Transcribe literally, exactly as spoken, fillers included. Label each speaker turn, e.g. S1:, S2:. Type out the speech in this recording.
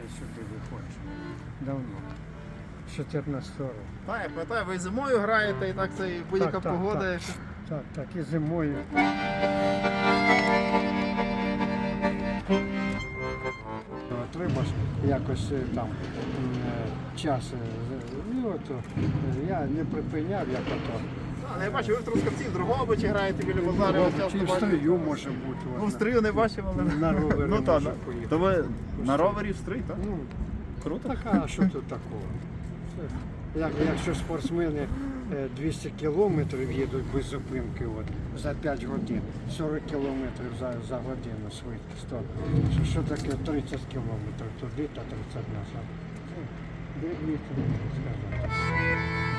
S1: сюди виходжу. Давно. З чотирнадцятого року.
S2: Так, я пам'ятаю, ви зимою граєте і так це і будь-яка
S1: Так, так,
S2: погода.
S1: так. Так, так, і зимою. Треба ж якось е, там м, е, час. е, Ну, от, е, я не припиняв, як ото.
S2: А, я бачу, ви в Трускавці, в Дрогобичі граєте біля базару.
S1: Чи в стрию може бути.
S2: Ну, в
S1: от,
S2: стрию не бачив, але...
S1: На ровері
S2: Ну, так,
S1: може
S2: да.
S1: поїхати.
S2: То ви на ровері в стрий, так?
S1: Ну,
S2: Круто.
S1: така, а що тут такого? Це, як, якщо спортсмени е, двісті кілометрів їдуть без зупинки от, за п'ять годин, сорок кілометрів за, за годину швидкість, то що, що таке тридцять кілометрів туди та тридцять назад? Ну, двісті, скажімо.